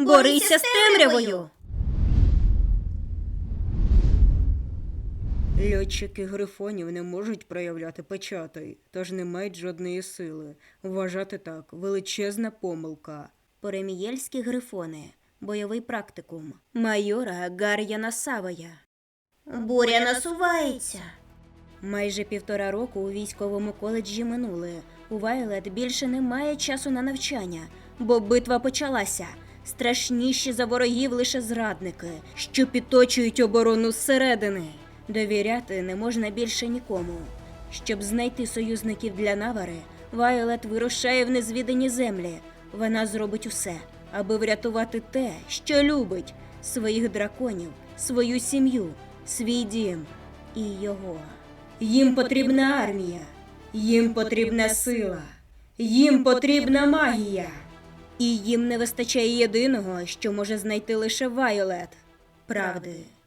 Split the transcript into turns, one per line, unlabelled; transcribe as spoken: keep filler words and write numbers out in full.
Борися з темрявою!
Льотчики грифонів не можуть проявляти печатей, тож не мають жодної сили. Вважати так – величезна помилка.
Поремієльські грифони. Бойовий практикум. Майора Гар'яна Савая.
Буря насувається.
Майже півтора року у військовому коледжі минули. У Вайлет більше немає часу на навчання, бо битва почалася. Страшніші за ворогів лише зрадники, що підточують оборону зсередини. Довіряти не можна більше нікому. Щоб знайти союзників для Навари, Вайлет вирушає в незвідані землі. Вона зробить усе, аби врятувати те, що любить – своїх драконів, свою сім'ю, свій дім і його. Їм потрібна армія, їм потрібна сила, їм потрібна магія. І їм не вистачає єдиного, що може знайти лише Вайолет – правди.